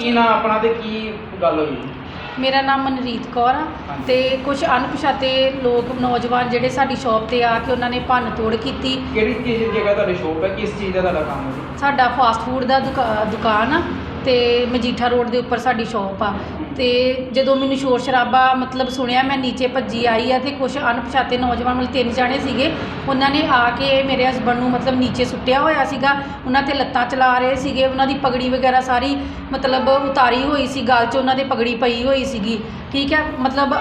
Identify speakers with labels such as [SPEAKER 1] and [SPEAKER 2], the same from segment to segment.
[SPEAKER 1] ਕੀ ਨਾਂ ਆਪਣਾ ਤੇ ਕੀ ਗੱਲ ਹੋਈ?
[SPEAKER 2] ਮੇਰਾ ਨਾਮ ਮਨਰੀਤ ਕੌਰ ਆ ਤੇ ਕੁਝ ਅਣਪਛਾਤੇ ਲੋਕ ਨੌਜਵਾਨ ਜਿਹੜੇ ਸਾਡੀ ਸ਼ੌਪ ਤੇ ਆ ਕੇ ਉਹਨਾਂ ਨੇ ਭੰਨ ਤੋੜ ਕੀਤੀ।
[SPEAKER 1] ਕਿਹੜੀ ਚੀਜ਼ ਦੀ ਜਗ੍ਹਾ ਤੁਹਾਡੀ ਸ਼ੋਪ ਹੈ, ਕਿਸ ਚੀਜ਼ ਦਾ ਤੁਹਾਡਾ ਕੰਮ ਹੈ?
[SPEAKER 2] ਸਾਡਾ ਫਾਸਟ ਫੂਡ ਦਾ ਦੁਕਾਨ ਆ ਤੇ ਮਜੀਠਾ ਰੋਡ ਦੇ ਉੱਪਰ ਸਾਡੀ ਸ਼ੌਪ ਆ। ਤੇ ਜਦੋਂ ਮੈਨੂੰ ਸ਼ੋਰ ਸ਼ਰਾਬਾ ਮਤਲਬ ਸੁਣਿਆ, ਮੈਂ ਨੀਚੇ ਭੱਜੀ ਆਈ ਆ ਤੇ ਕੁਝ ਅਣਪਛਾਤੇ ਨੌਜਵਾਨ ਮਤਲਬ 3 ਜਾਣੇ ਸੀਗੇ, ਉਹਨਾਂ ਨੇ ਆ ਕੇ ਮੇਰੇ ਹਸਬੰਡ ਨੂੰ ਮਤਲਬ ਨੀਚੇ ਸੁੱਟਿਆ ਹੋਇਆ ਸੀਗਾ। ਉਹਨਾਂ ਤੇ ਲੱਤਾਂ ਚਲਾ ਰਹੇ ਸੀਗੇ, ਉਹਨਾਂ ਦੀ ਪਗੜੀ ਵਗੈਰਾ ਸਾਰੀ ਮਤਲਬ ਉਤਾਰੀ ਹੋਈ ਸੀ, ਗਲ 'ਚ ਉਹਨਾਂ ਦੇ ਪਗੜੀ ਪਈ ਹੋਈ ਸੀਗੀ। ਠੀਕ ਹੈ, ਮਤਲਬ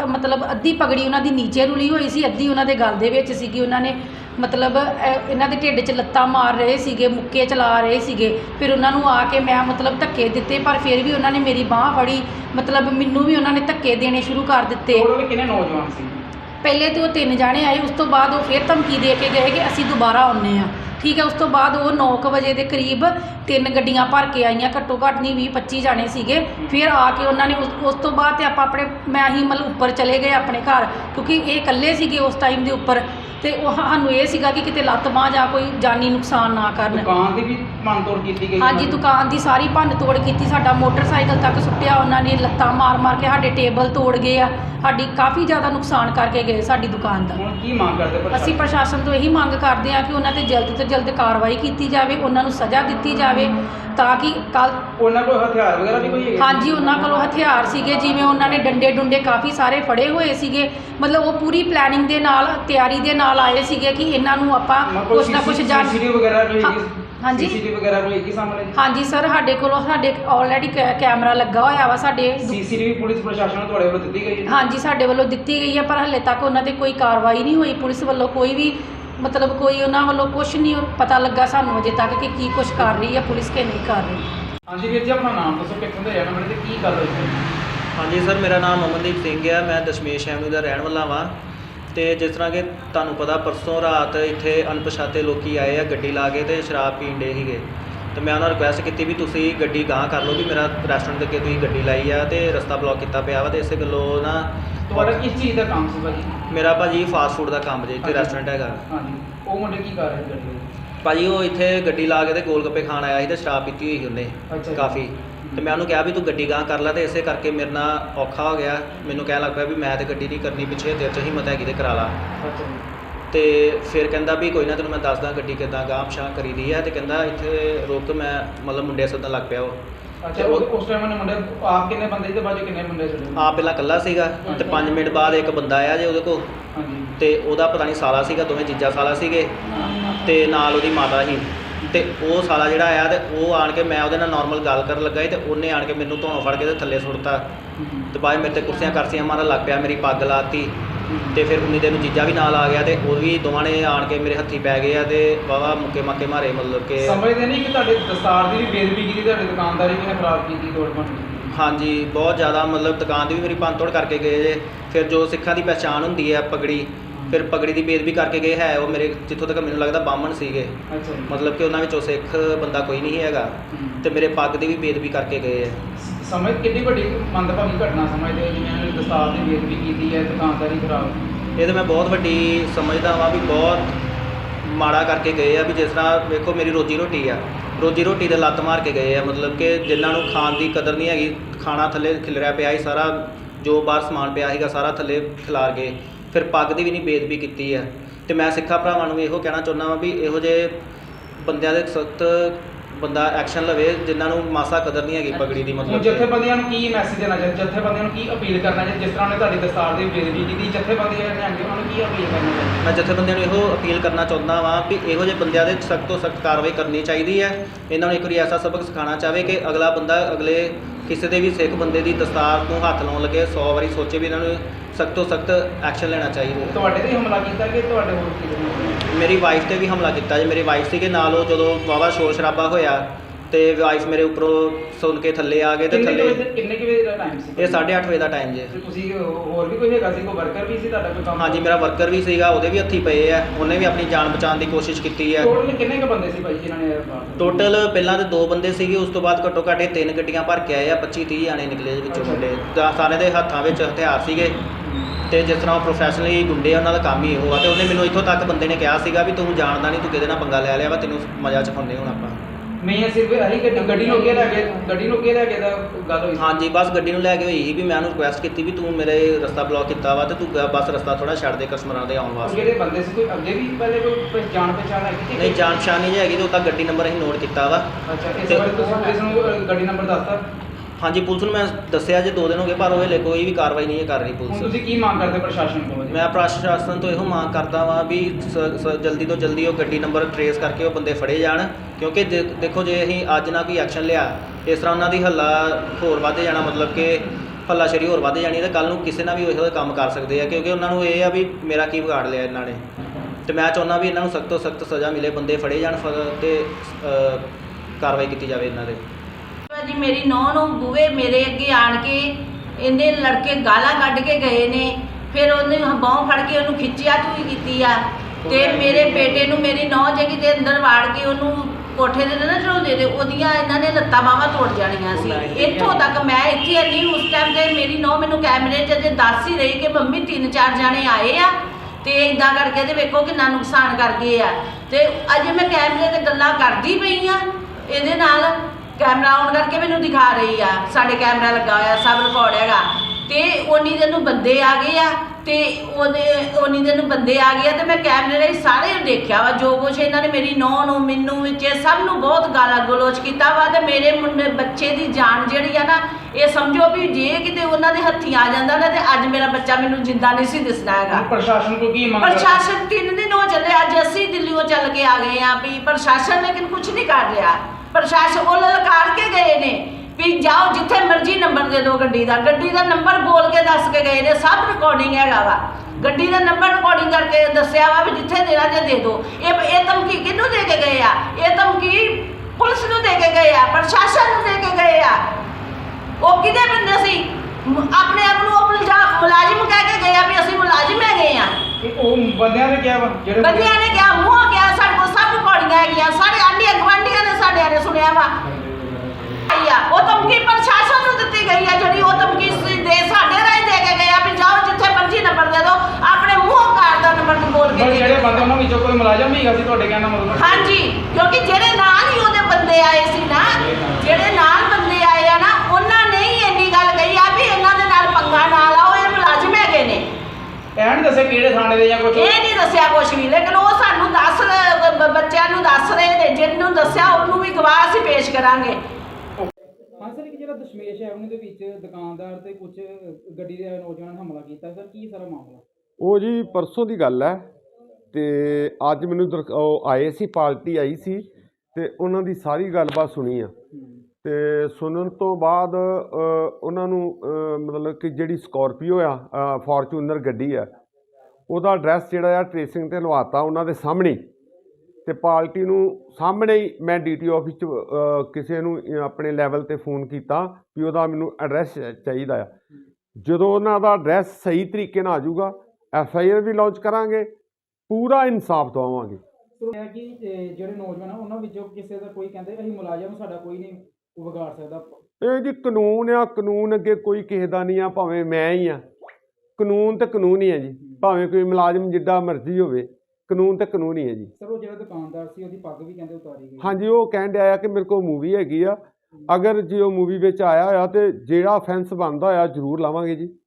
[SPEAKER 2] ਅੱਧੀ ਪਗੜੀ ਉਹਨਾਂ ਦੀ ਨੀਚੇ ਰੁਲੀ ਹੋਈ ਸੀ, ਅੱਧੀ ਉਹਨਾਂ ਦੇ ਗਲ ਦੇ ਵਿੱਚ ਸੀਗੀ। ਉਹਨਾਂ ਨੇ ਮਤਲਬ ਇਹਨਾਂ ਦੇ ਢਿੱਡ 'ਚ ਲੱਤਾਂ ਮਾਰ ਰਹੇ ਸੀਗੇ, ਮੁੱਕੇ ਚਲਾ ਰਹੇ ਸੀਗੇ। ਫਿਰ ਉਹਨਾਂ ਨੂੰ ਆ ਕੇ ਮੈਂ ਮਤਲਬ ਧੱਕੇ ਦਿੱਤੇ, ਪਰ ਫਿਰ ਵੀ ਉਹਨਾਂ ਨੇ ਮੇਰੀ ਬਾਂਹ ਫੜੀ, ਮਤਲਬ ਮੈਨੂੰ ਵੀ ਉਹਨਾਂ ਨੇ ਧੱਕੇ ਦੇਣੇ ਸ਼ੁਰੂ ਕਰ ਦਿੱਤੇ।
[SPEAKER 1] ਹੋਰ ਕਿੰਨੇ ਨੌਜਵਾਨ ਸੀ?
[SPEAKER 2] ਪਹਿਲੇ ਤਾਂ ਉਹ 3 ਜਾਣੇ ਆਏ, ਉਸ ਤੋਂ ਬਾਅਦ ਉਹ ਫਿਰ ਧਮਕੀ ਦੇ ਕੇ ਗਏ ਕਿ ਅਸੀਂ ਦੁਬਾਰਾ ਆਉਂਦੇ ਹਾਂ। ਠੀਕ ਹੈ, ਉਸ ਤੋਂ ਬਾਅਦ ਉਹ 9 ਵਜੇ ਦੇ ਕਰੀਬ 3 ਗੱਡੀਆਂ ਭਰ ਕੇ ਆਈਆਂ, ਘੱਟੋ ਘੱਟ ਨਹੀਂ 20-25 ਜਾਣੇ ਸੀਗੇ। ਫਿਰ ਆ ਕੇ ਉਹਨਾਂ ਨੇ ਉਸ ਤੋਂ ਬਾਅਦ ਤੇ ਮੈਂ ਹੀ ਮਤਲਬ ਉੱਪਰ ਚਲੇ ਗਏ ਆਪਣੇ ਘਰ, ਕਿਉਂਕਿ ਇਹ ਇਕੱਲੇ ਸੀਗੇ ਉਸ ਟਾਈਮ ਦੇ ਉੱਪਰ। ਤੇ ਉਹ ਸਾਨੂੰ ਇਹ ਸੀਗਾ ਕਿ ਕਿਤੇ ਲੱਤ ਬਾਂਹ ਜਾਂ ਕੋਈ ਜਾਨੀ ਨੁਕਸਾਨ ਨਾ ਕਰਨ।
[SPEAKER 1] ਦੁਕਾਨ ਦੀ ਵੀ ਭੰਨ ਤੋੜ ਕੀਤੀ ਗਈ?
[SPEAKER 2] ਹਾਂਜੀ, ਦੁਕਾਨ ਦੀ ਸਾਰੀ ਭੰਨ ਤੋੜ ਕੀਤੀ। ਸਾਡਾ ਮੋਟਰਸਾਈਕਲ ਤੱਕ ਸੁੱਟਿਆ ਉਹਨਾਂ ਨੇ, ਲੱਤਾਂ ਮਾਰ ਕੇ ਸਾਡੇ ਟੇਬਲ ਤੋੜ ਗਏ ਆ, ਸਾਡੀ ਕਾਫੀ ਜ਼ਿਆਦਾ ਨੁਕਸਾਨ ਕਰਕੇ ਗਏ ਸਾਡੀ ਦੁਕਾਨ ਦਾ।
[SPEAKER 1] ਹੁਣ ਕੀ ਮੰਗ ਕਰਦੇ?
[SPEAKER 2] ਅਸੀਂ ਪ੍ਰਸ਼ਾਸਨ ਤੋਂ ਇਹੀ ਮੰਗ ਕਰਦੇ ਹਾਂ ਕਿ ਉਹਨਾਂ ਤੇ ਜਲਦ ਤੋਂ ਜਲਦ ਕਾਰਵਾਈ ਕੀਤੀ ਜਾਵੇ, ਉਹਨਾਂ ਨੂੰ ਸਜ਼ਾ ਦਿੱਤੀ ਜਾਵੇ, ਤਾਂ ਕਿ
[SPEAKER 1] ਉਹਨਾਂ ਕੋਲ ਹਥਿਆਰ ਵਗੈਰਾ ਵੀ ਕੋਈ ਹੈਗੇ?
[SPEAKER 2] ਹਾਂਜੀ, ਉਹਨਾਂ ਕੋਲੋਂ ਹਥਿਆਰ ਸੀਗੇ, ਜਿਵੇਂ ਉਹਨਾਂ ਨੇ ਡੰਡੇ ਕਾਫੀ ਸਾਰੇ ਫੜੇ ਹੋਏ ਸੀਗੇ। ਮਤਲਬ ਉਹ ਪੂਰੀ ਪਲੈਨਿੰਗ ਦੇ ਨਾਲ, ਤਿਆਰੀ ਦੇ ਨਾਲ ਆਏ ਸੀਗੇ ਕਿ ਇਹਨਾਂ ਨੂੰ ਆਪਾਂ ਕੁਛ ਨਾ ਕੁਛ ਜਾਣ।
[SPEAKER 1] ਸੀਸੀਟੀਵੀ ਵਗੈਰਾ ਕੋਈ ਹੈਗੀ?
[SPEAKER 2] ਹਾਂਜੀ,
[SPEAKER 1] ਸੀਸੀਟੀਵੀ ਵਗੈਰਾ ਕੋਈ ਹੈਗੀ ਸਾਹਮਣੇ?
[SPEAKER 2] ਹਾਂਜੀ ਸਰ, ਸਾਡੇ ਆਲਰੇਡੀ ਕੈਮਰਾ ਲੱਗਾ ਹੋਇਆ ਵਾ ਸਾਡੇ।
[SPEAKER 1] ਸੀਸੀਟੀਵੀ ਪੁਲਿਸ ਪ੍ਰਸ਼ਾਸਨ ਨੂੰ ਤੁਹਾਡੇ ਵੱਲੋਂ ਦਿੱਤੀ ਗਈ ਹੈ?
[SPEAKER 2] ਹਾਂਜੀ, ਸਾਡੇ ਵੱਲੋਂ ਦਿੱਤੀ ਗਈ ਹੈ, ਪਰ ਹਲੇ ਤੱਕ ਉਹਨਾਂ ਤੇ ਕੋਈ ਕਾਰਵਾਈ ਨਹੀਂ ਹੋਈ। ਪੁਲਿਸ ਵੱਲੋਂ ਕੋਈ ਵੀ ਮਤਲਬ ਕੋਈ ਉਹਨਾਂ ਵੱਲੋਂ ਕੁਛ ਨਹੀਂ ਪਤਾ ਲੱਗਾ ਸਾਨੂੰ ਅਜੇ ਤੱਕ ਕਿ ਕੀ ਕੁਛ ਕਰ ਰਹੀ ਹੈ ਪੁਲਿਸ ਕਿ ਨਹੀਂ ਕਰ ਰਹੀ।
[SPEAKER 1] ਹਾਂਜੀ ਵੀਰ ਜੀ, ਆਪਣਾ ਨਾਮ ਦੱਸੋ, ਕਿੱਥੋਂ ਦੇ ਰਹਿਣ ਵਾਲੇ ਤੇ ਕੀ ਗੱਲ ਹੋਈ?
[SPEAKER 3] ਹਾਂਜੀ ਸਰ, ਮੇਰਾ ਨਾਮ ਅਮਨਦੀਪ ਸਿੰਘ ਹੈ, ਮੈਂ ਦਸ਼ਮੇਸ਼ ਐਵਨਿਊ ਦਾ ਰਹਿਣ ਵਾਲਾ ਵਾਂ। ਤੇ ਜਿਸ ਤਰ੍ਹਾਂ ਕਿ ਤੁਹਾਨੂੰ ਪਤਾ, ਪਰਸੋਂ ਰਾਤ ਇੱਥੇ ਅਣਪਛਾਤੇ ਲੋਕੀ ਆਏ ਆ ਗੱਡੀ ਲਾ ਕੇ ਤੇ ਸ਼ਰਾਬ ਪੀਣ ਡੇ ਸੀਗੇ। ਤੇ ਮੈਂ ਉਹਨਾਂ ਨੂੰ ਰਿਕੁਐਸਟ ਕੀਤੀ ਵੀ ਤੁਸੀਂ ਗੱਡੀ ਗਾਂਹ ਕਰ ਲਓ, ਵੀ ਮੇਰਾ ਰੈਸਟੋਰੈਂਟ ਦੇ ਅੱਗੇ ਤੁਸੀਂ ਗੱਡੀ ਲਾਈ ਆ ਤੇ ਰਸਤਾ ਬਲੌਕ ਕੀਤਾ ਪਿਆ ਵਾ। ਤੇ ਇਸੇ ਗੱਲੋਂ ਨਾ
[SPEAKER 1] ਤੁਹਾਡਾ ਕਿਸ ਚੀਜ਼ ਦਾ ਕੰਮ ਸੀ ਭਾਜੀ?
[SPEAKER 3] ਮੇਰਾ ਭਾਜੀ ਫਾਸਟ ਫੂਡ ਦਾ ਕੰਮ ਜੇ, ਇੱਥੇ ਰੈਸਟੋਰੈਂਟ ਹੈਗਾ।
[SPEAKER 1] ਹਾਂਜੀ, ਉਹ ਮੁੰਡੇ ਕੀ ਕਰ ਰਹੇ ਗੱਡੀ?
[SPEAKER 3] ਭਾਜੀ ਉਹ ਇੱਥੇ ਗੱਡੀ ਲਾ ਕੇ ਤੇ ਗੋਲ ਗੱਪੇ ਖਾਣ ਆਇਆ ਸੀ ਤੇ ਸ਼ਰਾਬ ਪੀਤੀ ਹੋਈ ਸੀ ਉਹਨੇ ਕਾਫੀ। ਤੇ ਮੈਂ ਉਹਨੂੰ ਕਿਹਾ ਵੀ ਤੂੰ ਗੱਡੀ ਗਾਂਹ ਕਰ ਲੈ, ਤੇ ਇਸੇ ਕਰਕੇ ਮੇਰੇ ਨਾਲ ਔਖਾ ਹੋ ਗਿਆ। ਮੈਨੂੰ ਕਹਿਣ ਲੱਗ ਪਿਆ ਵੀ ਮੈਂ ਤੇ ਗੱਡੀ ਨਹੀਂ ਕਰਨੀ, ਪਿੱਛੇ ਤੇਰੇ 'ਚ ਹਿੰਮਤ ਹੈਗੀ ਤੇ ਕਰਾ ਲਾ। ਤੇ ਫਿਰ ਕਹਿੰਦਾ ਵੀ ਕੋਈ ਨਾ, ਤੈਨੂੰ ਮੈਂ ਦੱਸਦਾ ਗੱਡੀ ਕਿੱਦਾਂ ਗਾਂਹ ਪਛਾਂ ਕਰੀ ਦੀ ਹੈ। ਤੇ ਕਹਿੰਦਾ ਇੱਥੇ ਰੁਕ, ਮੈਂ ਮਤਲਬ ਮੁੰਡੇ ਸੱਦਣ ਲੱਗ ਪਿਆ ਉਹ।
[SPEAKER 1] ਅੱਛਾ, ਉਸ ਟਾਈਮ ਉਹਨੇ ਮੁੰਡੇ ਆਪ ਕਿੰਨੇ ਬੰਦੇ ਤੇ ਬਾਅਦ ਕਿੰਨੇ ਮੁੰਡੇ ਸੀ?
[SPEAKER 3] ਆਪ ਪਹਿਲਾਂ ਇਕੱਲਾ ਸੀਗਾ ਤੇ 5 ਮਿੰਟ ਬਾਅਦ ਇੱਕ ਬੰਦਾ ਆਇਆ ਜੇ ਉਹਦੇ ਕੋਲ।
[SPEAKER 1] ਹਾਂਜੀ,
[SPEAKER 3] ਤੇ ਉਹਦਾ ਪਤਾ ਨਹੀਂ ਸਾਲਾ ਸੀਗਾ, ਦੋਵੇਂ ਜੀਜਾ ਸਾਲਾ ਸੀਗੇ ਤੇ ਨਾਲ ਉਹਦੀ ਮਾਤਾ ਸੀ। ਤੇ ਉਹ ਸਾਲਾ ਜਿਹੜਾ ਆਇਆ ਤੇ ਉਹ ਆਣ ਕੇ, ਮੈਂ ਉਹਦੇ ਨਾਲ ਨਾਰਮਲ ਗੱਲ ਕਰਨ ਲੱਗਾ ਸੀ ਤੇ ਉਹਨੇ ਆਣ ਕੇ ਮੈਨੂੰ ਧੌਣੋਂ ਫੜ ਕੇ ਤੇ ਥੱਲੇ ਸੁੱਟਤਾ। ਤੇ ਬਾਅਦ ਮੇਰੇ ਤੇ ਕੁਰਸੀਆਂ ਕਰਸੀਆਂ ਮਾਰਨ ਲੱਗ ਪਿਆ, ਮੇਰੀ ਪੱਗ ਲਾਤੀ। ਤੇ ਫਿਰ ਉਨੀ ਦੇਰ ਨੂੰ ਜੀਜਾ ਵੀ ਨਾਲ ਆ ਗਿਆ ਤੇ ਉਹ ਵੀ ਦੋਵਾਂ ਨੇ ਆਣ ਕੇ ਮੇਰੇ ਹੱਥੀ ਪੈ ਗਏ ਆ ਤੇ ਵਾਹਵਾ ਮੁੱਕੇ ਮਾਕੇ ਮਾਰੇ। ਮਤਲਬ ਕਿ
[SPEAKER 1] ਸਮਝਦੇ ਨਹੀਂ ਕਿ ਤੁਹਾਡੇ ਦਸਤਾਰ ਦੀ ਵੀ ਬੇਇੱਜ਼ਤੀ ਕੀਤੀ, ਤੁਹਾਡੀ ਦੁਕਾਨਦਾਰੀ ਵੀ ਨੇ ਖਰਾਬ ਕੀਤੀ, ਤੋੜ ਭੰਨ ਕੀਤੀ?
[SPEAKER 3] ਹਾਂਜੀ, ਬਹੁਤ ਜ਼ਿਆਦਾ, ਮਤਲਬ ਦੁਕਾਨ ਦੀ ਵੀ ਮੇਰੀ ਭੰਨ ਤੋੜ ਕਰਕੇ ਗਏ ਜੇ। ਫਿਰ ਜੋ ਸਿੱਖਾਂ ਦੀ ਪਹਿਚਾਣ ਹੁੰਦੀ ਹੈ ਪਗੜੀ, ਫਿਰ ਪਗੜੀ ਦੀ ਬੇਇੱਜ਼ਤੀ ਕਰਕੇ ਗਏ ਹੈ। ਉਹ ਮੇਰੇ ਜਿੱਥੋਂ ਤੱਕ ਮੈਨੂੰ ਲੱਗਦਾ ਬਾਹਮਣ ਸੀਗੇ,
[SPEAKER 1] ਅੱਛਾ ਜੀ।
[SPEAKER 3] ਮਤਲਬ ਕਿ ਉਹਨਾਂ ਵਿੱਚੋਂ ਸਿੱਖ ਬੰਦਾ ਕੋਈ ਨਹੀਂ ਹੈਗਾ। ਤੇ ਮੇਰੇ ਪੱਗ ਦੀ ਵੀ ਬੇਇੱਜ਼ਤੀ ਕਰਕੇ ਗਏ ਹੈ।
[SPEAKER 1] ਸਮਝ ਕਿੰਨੀ ਵੱਡੀ ਮੰਦਭਾਗੀ ਘਟਨਾ ਸਮਝਦੇ ਹੋ, ਜਿਵੇਂ ਉਹਨਾਂ ਨੇ ਦਸਤਾਰ ਦੀ ਬੇਇੱਜ਼ਤੀ ਕੀਤੀ ਹੈ, ਦੁਕਾਨਦਾਰੀ ਖਰਾਬ?
[SPEAKER 3] ਇਹ ਤਾਂ ਮੈਂ ਬਹੁਤ ਵੱਡੀ ਸਮਝਦਾ ਵਾਂ ਵੀ ਬਹੁਤ ਮਾੜਾ ਕਰਕੇ ਗਏ ਆ। ਵੀ ਜਿਸ ਤਰ੍ਹਾਂ ਵੇਖੋ, ਮੇਰੀ ਰੋਜੀ ਰੋਟੀ ਦੇ ਲੱਤ ਮਾਰ ਕੇ ਗਏ ਆ। ਮਤਲਬ ਕਿ ਜਿਨ੍ਹਾਂ ਨੂੰ ਖਾਣ ਦੀ ਕਦਰ ਨਹੀਂ ਹੈਗੀ, ਖਾਣਾ ਥੱਲੇ ਖਿਲਰਿਆ ਪਿਆ ਸੀ ਸਾਰਾ, ਜੋ ਬਾਹਰ ਸਮਾਨ ਪਿਆ ਸੀਗਾ ਸਾਰਾ ਥੱਲੇ ਖਿਲਾਰ ਗਏ। ਫਿਰ ਪੱਗ ਦੀ ਵੀ ਨਹੀਂ ਬੇਇੱਜ਼ਤੀ ਕੀਤੀ ਹੈ। ਤੇ ਮੈਂ ਸਿੱਖਾਂ ਭਰਾਵਾਂ ਨੂੰ ਇਹੋ ਕਹਿਣਾ ਚਾਹੁੰਦਾ ਵਾਂ ਵੀ ਇਹੋ ਜਿਹੇ ਬੰਦਿਆਂ ਦੇ ਸਖਤ ਬੰਦਾ ਐਕਸ਼ਨ ਲਵੇ, ਜਿਨ੍ਹਾਂ ਨੂੰ ਮਾਸਾ ਕਦਰ ਨਹੀਂ ਹੈਗੀ ਪਗੜੀ ਦੀ। ਮਤਲਬ
[SPEAKER 1] ਜਥੇਬੰਦੀਆਂ ਨੂੰ ਕੀ ਮੈਸੇਜ ਦੇਣਾ ਚਾਹੀਦਾ? ਜਥੇਬੰਦੀਆਂ ਨੂੰ ਕੀ ਅਪੀਲ ਕਰਨਾ ਚਾਹੀਦਾ? ਜਿਸ ਤਰ੍ਹਾਂ ਉਹਨੇ ਤੁਹਾਡੀ ਦਸਤਾਰ ਦੀ ਬੇਇੱਜ਼ਤੀ ਕੀਤੀ, ਜਥੇਬੰਦੀਆਂ ਨੇ ਉਹਨਾਂ ਨੂੰ ਕੀ ਅਪੀਲ ਕਰਨਾ ਚਾਹੀਦਾ?
[SPEAKER 3] ਮੈਂ ਜਥੇਬੰਦੀਆਂ ਨੂੰ ਇਹੋ ਅਪੀਲ ਕਰਨਾ ਚਾਹੁੰਦਾ ਵਾਂ ਵੀ ਇਹੋ ਜਿਹੇ ਬੰਦਿਆਂ ਦੇ ਸਖਤ ਤੋਂ ਸਖਤ ਕਾਰਵਾਈ ਕਰਨੀ ਚਾਹੀਦੀ ਹੈ। ਇਹਨਾਂ ਨੂੰ ਇੱਕ ਵਾਰੀ ਐਸਾ ਸਬਕ ਸਿਖਾਉਣਾ ਚਾਹਵੇ ਕਿ ਅਗਲਾ ਬੰਦਾ ਅਗਲੇ ਕਿਸੇ ਦੇ ਵੀ ਸਿੱਖ ਬੰਦੇ ਦੀ ਦਸਤਾਰ ਨੂੰ ਹੱਥ ਲਾਉਣ ਲੱਗੇ 100 ਵਾਰੀ ਸੋਚੇ ਵੀ ਇਹਨਾਂ ਨੂੰ ਸਖਤ ਤੋਂ ਸਖਤ ਐਕਸ਼ਨ ਲੈਣਾ ਚਾਹੀਦਾ।
[SPEAKER 1] ਤੁਹਾਡੇ 'ਤੇ ਹਮਲਾ ਕੀਤਾ ਕਿ ਤੁਹਾਡੇ ਹੋਰ ਕੀ?
[SPEAKER 3] ਮੇਰੀ ਵਾਈਫ 'ਤੇ ਵੀ ਹਮਲਾ ਕੀਤਾ ਜੀ। ਮੇਰੀ ਵਾਈਫ ਸੀਗੇ ਨਾਲ, ਉਹ ਜਦੋਂ ਵਾਹਵਾ ਸ਼ੋਰ ਸ਼ਰਾਬਾ ਹੋਇਆ ਤੇ ਵਾਈਫ ਮੇਰੇ ਉੱਪਰੋਂ ਸੁਣ ਕੇ ਥੱਲੇ ਆ ਗਏ। ਤੇ ਥੱਲੇ
[SPEAKER 1] ਕਿੰਨੇ ਕੁ ਵਜੇ ਦਾ ਟਾਈਮ ਸੀ?
[SPEAKER 3] ਇਹ 8:30 ਵਜੇ ਦਾ ਟਾਈਮ ਜੇ।
[SPEAKER 1] ਤੁਸੀਂ ਹੋਰ ਵੀ ਕੋਈ ਹੈਗਾ ਸੀ, ਕੋਈ ਵਰਕਰ ਵੀ ਸੀ ਤੁਹਾਡਾ ਕੋਈ ਕੰਮ?
[SPEAKER 3] ਹਾਂਜੀ, ਮੇਰਾ ਵਰਕਰ ਵੀ ਸੀਗਾ, ਉਹਦੇ ਵੀ ਹੱਥੀ ਪਏ ਆ, ਉਹਨੇ ਵੀ ਆਪਣੀ ਜਾਨ ਬਚਾਉਣ ਦੀ ਕੋਸ਼ਿਸ਼ ਕੀਤੀ ਹੈ।
[SPEAKER 1] ਟੋਟਲ ਕਿੰਨੇ ਕੁ ਬੰਦੇ ਸੀ ਭਾਈ ਜਿਨ੍ਹਾਂ ਨੇ?
[SPEAKER 3] ਟੋਟਲ ਪਹਿਲਾਂ ਤਾਂ 2 ਬੰਦੇ ਸੀਗੇ, ਉਸ ਤੋਂ ਬਾਅਦ ਘੱਟੋ ਘੱਟ 3 ਗੱਡੀਆਂ ਭਰ ਕੇ ਆਏ ਆ, 25-30 ਜਾਣੇ ਨਿਕਲੇ ਵਿੱਚੋਂ ਮੁੰਡੇ। ਸਾਰੇ ਦੇ ਹੱਥਾਂ ਵਿੱਚ ਹਥਿਆਰ ਸੀਗੇ। ਤੇ ਜਿਸ ਤਰ੍ਹਾਂ ਉਹ ਪ੍ਰੋਫੈਸ਼ਨਲੀ ਗੁੰਡੇ ਆ, ਉਹਨਾਂ ਦਾ ਕੰਮ ਹੀ ਇਹੋ ਆ। ਤੇ ਉਹਨੇ ਮੈਨੂੰ ਇੱਥੋਂ ਤੱਕ ਬੰਦੇ ਨੇ ਕਿਹਾ ਸੀਗਾ ਵੀ ਤੂੰ ਜਾਣਦਾ ਨਹੀਂ, ਤੂੰ ਕਿਹਦੇ ਨਾਲ ਪੰਗਾ ਲੈ ਲਿਆ ਵਾ, ਤੈਨੂੰ ਮਜ਼ਾ ਚਖਾਉਂਦੇ ਹੁਣ ਆਪਾਂ।
[SPEAKER 1] ਮੈਂ ਸਿਰਫ ਅਹੀਂ ਗੱਡੀ ਨੂੰ ਅੱਗੇ ਲੈ ਕੇ ਦਾ ਗੱਲ ਹੋਈ ਸੀ।
[SPEAKER 3] ਹਾਂਜੀ ਬਸ ਗੱਡੀ ਨੂੰ ਲੈ ਕੇ ਹੋਈ ਸੀ ਵੀ ਮੈਂ ਉਹਨੂੰ ਰਿਕੁਐਸਟ ਕੀਤੀ ਵੀ ਤੂੰ ਮੇਰੇ ਰਸਤਾ ਬਲੌਕ ਕੀਤਾ ਵਾ ਤੇ ਤੂੰ ਬਸ ਰਸਤਾ ਥੋੜਾ ਛੱਡ ਦੇ ਕਸਟਮਰਾਂ ਦੇ ਆਉਣ ਵਾਸਤੇ।
[SPEAKER 1] ਜਿਹੜੇ ਬੰਦੇ ਸੀ ਕੋਈ ਅੱਗੇ ਵੀ ਪਹਿਲੇ ਕੋਈ ਜਾਣ ਪਛਾਣ ਹੈਗੀ ਸੀ?
[SPEAKER 3] ਨਹੀਂ ਜਾਣ ਪਛਾਣ ਨਹੀਂ ਹੈਗੀ ਤੇ ਉਹ ਤਾਂ ਗੱਡੀ ਨੰਬਰ ਅਸੀਂ ਨੋਟ ਕੀਤਾ ਵਾ।
[SPEAKER 1] ਅੱਛਾ, ਇਸ ਬਾਰੇ ਤੁਸੀਂ ਪੁਲਿਸ ਨੂੰ ਗੱਡੀ ਨੰਬਰ ਦੱਸਤਾ?
[SPEAKER 3] ਹਾਂਜੀ ਪੁਲਿਸ ਨੂੰ ਮੈਂ ਦੱਸਿਆ ਜੇ 2 ਦਿਨ ਹੋ ਗਏ ਪਰ ਉਹ ਹਲੇ ਕੋਈ ਵੀ ਕਾਰਵਾਈ ਨਹੀਂ ਕਰ ਰਹੀ
[SPEAKER 1] ਹੁਣ
[SPEAKER 3] ਪੁਲਿਸ।
[SPEAKER 1] ਤੁਸੀਂ ਕੀ ਮੰਗ ਕਰਦੇ ਪ੍ਰਸ਼ਾਸਨ ਕੋਲ?
[SPEAKER 3] ਮੈਂ ਪ੍ਰਸ਼ਾਸਨ ਤੋਂ ਇਹੋ ਮੰਗ ਕਰਦਾ ਵਾਂ ਵੀ ਜਲਦੀ ਤੋਂ ਜਲਦੀ ਉਹ ਗੱਡੀ ਨੰਬਰ ਟਰੇਸ ਕਰਕੇ ਉਹ ਬੰਦੇ ਫੜੇ ਜਾਣ, ਕਿਉਂਕਿ ਦੇਖੋ ਜੇ ਅਸੀਂ ਅੱਜ ਨਾ ਕੋਈ ਐਕਸ਼ਨ ਲਿਆ ਇਸ ਤਰ੍ਹਾਂ ਉਹਨਾਂ ਦੀ ਹੱਲਾ ਹੋਰ ਵੱਧ ਜਾਣਾ, ਮਤਲਬ ਕਿ ਹੱਲਾਸ਼ੇਰੀ ਹੋਰ ਵੱਧ ਜਾਣੀ ਤੇ ਕੱਲ੍ਹ ਨੂੰ ਕਿਸੇ ਨਾਲ ਵੀ ਇਹੋ ਜਿਹਾ ਕੰਮ ਕਰ ਸਕਦੇ ਆ, ਕਿਉਂਕਿ ਉਹਨਾਂ ਨੂੰ ਇਹ ਆ ਵੀ ਮੇਰਾ ਕੀ ਵਿਗਾੜ ਲਿਆ ਇਹਨਾਂ ਨੇ। ਤੇ ਮੈਂ ਚਾਹੁੰਦਾ ਵੀ ਇਹਨਾਂ ਨੂੰ ਸਖਤ ਤੋਂ ਸਖਤ ਸਜ਼ਾ ਮਿਲੇ, ਬੰਦੇ ਫੜੇ ਜਾਣ ਤੇ ਕਾਰਵਾਈ ਕੀਤੀ ਜਾਵੇ ਇਹਨਾਂ ਦੇ।
[SPEAKER 4] ਜੀ ਮੇਰੀ ਨੌਂ ਨੂੰ ਬੂਹੇ ਮੇਰੇ ਅੱਗੇ ਆਣ ਕੇ ਇਹਨੇ ਲੜਕੇ ਗਾਲਾਂ ਕੱਢ ਕੇ ਗਏ ਨੇ, ਫਿਰ ਉਹਨੇ ਬਾਂਹ ਫੜ ਕੇ ਉਹਨੂੰ ਖਿੱਚਿਆ ਚੂਈ ਕੀਤੀ ਆ ਤੇ ਮੇਰੇ ਬੇਟੇ ਨੂੰ ਮੇਰੀ ਨੌਂ ਜੇ ਕਿਤੇ ਅੰਦਰ ਵਾੜ ਕੇ ਉਹਨੂੰ ਕੋਠੇ ਦੇ ਨਾ ਚੜਾਉਂਦੇ ਤੇ ਉਹਦੀਆਂ ਇਹਨਾਂ ਨੇ ਲੱਤਾਂ ਬਾਹਾਂ ਤੋੜ ਜਾਣੀਆਂ ਸੀ। ਇੱਥੋਂ ਤੱਕ ਮੈਂ ਇੱਥੇ ਨਹੀਂ ਉਸ ਟਾਈਮ ਤੇ ਮੇਰੀ ਨੌਂ ਮੈਨੂੰ ਕੈਮਰੇ 'ਚ ਜੇ ਦੱਸ ਹੀ ਰਹੀ ਕਿ ਮੰਮੀ 3-4 ਜਾਣੇ ਆਏ ਆ ਤੇ ਇਦਾਂ ਕਰਕੇ ਤੇ ਵੇਖੋ ਕਿੰਨਾ ਨੁਕਸਾਨ ਕਰ ਗਏ ਆ। ਤੇ ਅਜੇ ਮੈਂ ਕੈਮਰੇ ਤੇ ਗੱਲਾਂ ਕਰਦੀ ਪਈ ਆ, ਇਹਦੇ ਨਾਲ ਕੈਮਰਾ ਆਨ ਕਰਕੇ ਮੈਨੂੰ ਦਿਖਾ ਰਹੀ ਆ, ਸਾਡੇ ਕੈਮਰਾ ਲੱਗਾ ਹੋਇਆ ਸਭ ਰਿਕਾਰਡ ਹੈਗਾ। ਤੇ ਉਨੀ ਦਿਨ ਨੂੰ ਬੰਦੇ ਆ ਗਏ ਆ ਤੇ ਉਨੀ ਦਿਨ ਨੂੰ ਬੰਦੇ ਆ ਗਏ ਆ ਤੇ ਮੈਂ ਕੈਮਰੇ ਰਾਹੀਂ ਸਾਰੇ ਦੇਖਿਆ ਵਾ ਜੋ ਕੁਛ ਇਹਨਾਂ ਨੇ ਮੇਰੀ ਨੌਂ ਨੂੰ ਮੈਨੂੰ ਵਿੱਚ ਸਭ ਨੂੰ ਬਹੁਤ ਗਾਲਾਂ ਗਲੋਚ ਕੀਤਾ ਵਾ। ਤੇ ਮੇਰੇ ਮੁੰਡੇ ਬੱਚੇ ਦੀ ਜਾਨ ਜਿਹੜੀ ਆ ਨਾ, ਇਹ ਸਮਝੋ ਵੀ ਜੇ ਕਿਤੇ ਉਹਨਾਂ ਦੇ ਹੱਥੀਂ ਆ ਜਾਂਦਾ ਨਾ ਤੇ ਅੱਜ ਮੇਰਾ ਬੱਚਾ ਮੈਨੂੰ ਜਿੰਦਾ ਨਹੀਂ ਸੀ ਦਿਸਦਾ ਹੈਗਾ।
[SPEAKER 1] ਪ੍ਰਸ਼ਾਸਨ ਕੋਲ ਕੀ ਮੰਗ?
[SPEAKER 4] ਪ੍ਰਸ਼ਾਸਨ 3 ਦਿਨ ਹੋ ਚੱਲੇ, ਅੱਜ ਅਸੀਂ ਦਿੱਲੀੋਂ ਚੱਲ ਕੇ ਆ ਗਏ ਆ ਵੀ ਪ੍ਰਸ਼ਾਸਨ ਲੇਕਿਨ ਕੁਝ ਨਹੀਂ ਕਰ ਰਿਹਾ। ਪ੍ਰਸ਼ਾਸਨ ਉਹ ਲਲਕਾਰ ਕੇ ਗਏ ਨੇ ਵੀ ਜਾਓ ਜਿੱਥੇ ਮਰਜ਼ੀ ਨੰਬਰ ਦੇ ਦਿਓ ਗੱਡੀ ਦਾ ਨੰਬਰ ਬੋਲ ਕੇ ਦੱਸ ਕੇ ਗਏ ਨੇ, ਸਭ ਰਿਕਾਰਡਿੰਗ ਹੈਗਾ ਵਾ। ਗੱਡੀ ਦਾ ਨੰਬਰ ਰਿਕਾਰਡਿੰਗ ਕਰਕੇ ਦੱਸਿਆ ਵਾ ਵੀ ਜਿੱਥੇ ਦੇਣਾ ਜੇ ਦੇ ਦਿਓ। ਇਹ ਧਮਕੀ ਕਿਹਨੂੰ ਦੇ ਕੇ ਗਏ ਆ? ਇਹ ਧਮਕੀ ਪੁਲਿਸ ਨੂੰ ਦੇ ਕੇ ਗਏ ਆ, ਪ੍ਰਸ਼ਾਸਨ ਨੂੰ ਦੇ ਕੇ ਗਏ ਆ। ਉਹ ਕਿਹਦੇ ਬੰਦੇ ਸੀ? ਆਪਣੇ ਆਪ ਨੂੰ ਮੁਲਾਜ਼ਮ ਕਹਿ ਕੇ ਗਏ ਆ ਵੀ ਅਸੀਂ ਮੁਲਾਜ਼ਮ ਹੈਗੇ ਆ।
[SPEAKER 1] ਉਹ ਬੰਦਿਆਂ ਨੇ ਕਿਹਾ ਵਾ ਜਿਹੜੇ
[SPEAKER 4] ਬੰਦਿਆਂ ਨੇ ਕਿਹਾ, ਮੂੰਹੋਂ ਕਿਹਾ, ਸਾਡੇ ਕੋਲ ਸਭ ਰਿਕਾਰਡਿੰਗਾਂ ਹੈਗੀਆਂ, ਸਾਡੇ ਆਂਢੀ ਗੁਆਂਢੀਆਂ ਨੇ ਸਾਡਿਆਂ ਨੇ ਸੁਣਿਆ ਵਾ। ਉਹ ਧਮਕੀ ਪ੍ਰਸ਼ਾਸਨ ਨੂੰ ਦਿੱਤੀ ਗਈ ਆ, ਜਿਹੜੀ ਉਹ ਧਮਕੀ ਸਾਡੇ ਰਾਹੀਂ ਦੇ ਕੇ ਗਏ ਆ ਵੀ ਜਾਓ ਜਿੱਥੇ ਮਰਜ਼ੀ ਨੰਬਰ ਦੇ ਦਿਓ, ਆਪਣੇ ਮੂੰਹੋਂ ਕਾਰ ਦਾ ਨੰਬਰ ਬੋਲ ਕੇ।
[SPEAKER 1] ਜਿਹੜੇ ਬੰਦੇ ਉਹਨਾਂ ਵਿੱਚੋਂ ਕੋਈ ਮੁਲਾਜ਼ਮ ਵੀ ਹੈਗਾ ਸੀ ਤੁਹਾਡੇ ਕਹਿਣ ਦਾ ਮਤਲਬ?
[SPEAKER 4] ਹਾਂਜੀ, ਕਿਉਂਕਿ ਜਿਹੜੇ ਨਾਲ ਹੀ ਉਹਦੇ ਬੰਦੇ ਆਏ ਸੀ ਨਾ, ਜਿਹੜੇ ਨਾਲ ਬੰਦੇ ਆਏ ਆ ਨਾ, ਉਹਨਾਂ ਨੇ ਹੀ ਇੰਨੀ ਗੱਲ ਕਹੀ ਆ ਵੀ ਇਹਨਾਂ ਦੇ ਨਾਲ ਪੰਗਾ ਨਾ ਲਾਓ, ਇਹ ਮੁਲਾਜ਼ਮ ਹੈਗੇ ਨੇ।
[SPEAKER 1] ਇਹ ਨਹੀਂ ਦੱਸਿਆ ਕਿਹੜੇ ਥਾਣੇ ਦੇ ਜਾਂ ਕੁਝ?
[SPEAKER 4] ਇਹ ਨਹੀਂ ਦੱਸਿਆ ਕੁਛ ਵੀ, ਲੇਕਿਨ ਉਹ ਸਾਨੂੰ ਬੱਚਿਆਂ ਨੂੰ ਦੱਸ ਰਹੇ ਨੇ, ਜਿਹਨੂੰ ਦੱਸਿਆ ਉਹਨੂੰ ਵੀ ਗਵਾਹ ਅਸੀਂ ਪੇਸ਼ ਕਰਾਂਗੇ।
[SPEAKER 1] ਹਾਂ ਸਰ, ਇੱਕ ਜਿਹੜਾ ਦਸ਼ਮੇਸ਼ ਐਵਨਿਊ ਦੇ ਵਿੱਚ ਦੁਕਾਨਦਾਰ ਤੇ ਕੁਝ ਗੱਡੀ ਦੇ ਨੌਜਵਾਨਾਂ ਨੇ ਹਮਲਾ ਕੀਤਾ, ਸਰ ਕੀ ਸਾਰਾ ਮਾਮਲਾ?
[SPEAKER 5] ਉਹ ਜੀ ਪਰਸੋਂ ਦੀ ਗੱਲ ਹੈ ਤੇ ਅੱਜ ਮੈਨੂੰ ਉਹ ਆਏ ਸੀ, ਪਾਰਟੀ ਆਈ ਸੀ ਤੇ ਉਹਨਾਂ ਦੀ ਸਾਰੀ ਗੱਲਬਾਤ ਸੁਣੀ ਆ। ਤੇ ਸੁਣਨ ਤੋਂ ਬਾਅਦ ਉਹਨਾਂ ਨੂੰ ਮਤਲਬ ਕਿ ਜਿਹੜੀ ਸਕੋਰਪੀਓ ਆ, ਫੋਰਚੂਨਰ ਗੱਡੀ ਆ, ਉਹਦਾ ਐਡਰੈਸ ਜਿਹੜਾ ਆ ਟਰੇਸਿੰਗ ਤੇ ਲਵਾਤਾ ਉਹਨਾਂ ਦੇ ਸਾਹਮਣੇ। ਤੇ ਪਾਰਟੀ ਨੂੰ ਸਾਹਮਣੇ ਹੀ ਮੈਂ DTO ਆਫਿਸ 'ਚ ਕਿਸੇ ਨੂੰ ਆਪਣੇ ਲੈਵਲ ਤੇ ਫੋਨ ਕੀਤਾ ਵੀ ਉਹਦਾ ਮੈਨੂੰ ਐਡਰੈਸ ਚਾਹੀਦਾ ਆ। ਜਦੋਂ ਉਹਨਾਂ ਦਾ ਐਡਰੈਸ ਸਹੀ ਤਰੀਕੇ ਨਾਲ ਆ ਜਾਊਗਾ, FIR ਵੀ ਲਾਂਚ ਕਰਾਂਗੇ, ਪੂਰਾ ਇਨਸਾਫ ਦਵਾਵਾਂਗੇ।
[SPEAKER 1] ਇਹ ਕਿ ਜਿਹੜੇ ਨੌਜਵਾਨ ਆ ਉਹਨਾਂ ਵਿੱਚੋਂ ਕਿਸੇ ਦਾ ਕੋਈ ਕਹਿੰਦੇ ਅਸੀਂ ਮੁਲਾਜ਼ਮ, ਸਾਡਾ ਕੋਈ ਨਹੀਂ ਵਿਗਾੜ ਸਕਦਾ।
[SPEAKER 5] ਇਹ ਜੀ ਕਾਨੂੰਨ ਆ, ਕਾਨੂੰਨ ਅੱਗੇ ਕੋਈ ਕਿਸੇ ਦਾ ਨਹੀਂ ਆ, ਭਾਵੇਂ ਮੈਂ ਹੀ ਆ। ਕਾਨੂੰਨ ਤੇ ਕਾਨੂੰਨ ਹੀ ਹੈ ਜੀ, ਭਾਵੇਂ ਕੋਈ ਮੁਲਾਜ਼ਮ ਜਿੱਡਾ ਮਰਜ਼ੀ ਹੋਵੇ, ਕਾਨੂੰਨ ਤੇ ਕਾਨੂੰਨ ਹੀ ਹੈ ਜੀ।
[SPEAKER 1] ਸਰ ਉਹ ਜਿਹੜਾ ਦੁਕਾਨਦਾਰ ਸੀ ਉਹਦੀ ਪੱਗ ਵੀ ਕਹਿੰਦੇ ਉਤਾਰੀ ਗਈ?
[SPEAKER 5] ਹਾਂਜੀ, ਉਹ ਕਹਿਣ ਡਿਆ ਕਿ ਮੇਰੇ ਕੋਲ ਮੂਵੀ ਹੈਗੀ ਆ, ਅਗਰ ਜੇ ਉਹ ਮੂਵੀ ਵਿੱਚ ਆਇਆ ਹੋਇਆ ਤੇ ਜਿਹੜਾ ਅਫੈਂਸ ਬਣਦਾ ਹੋਇਆ ਜ਼ਰੂਰ ਲਾਵਾਂਗੇ ਜੀ।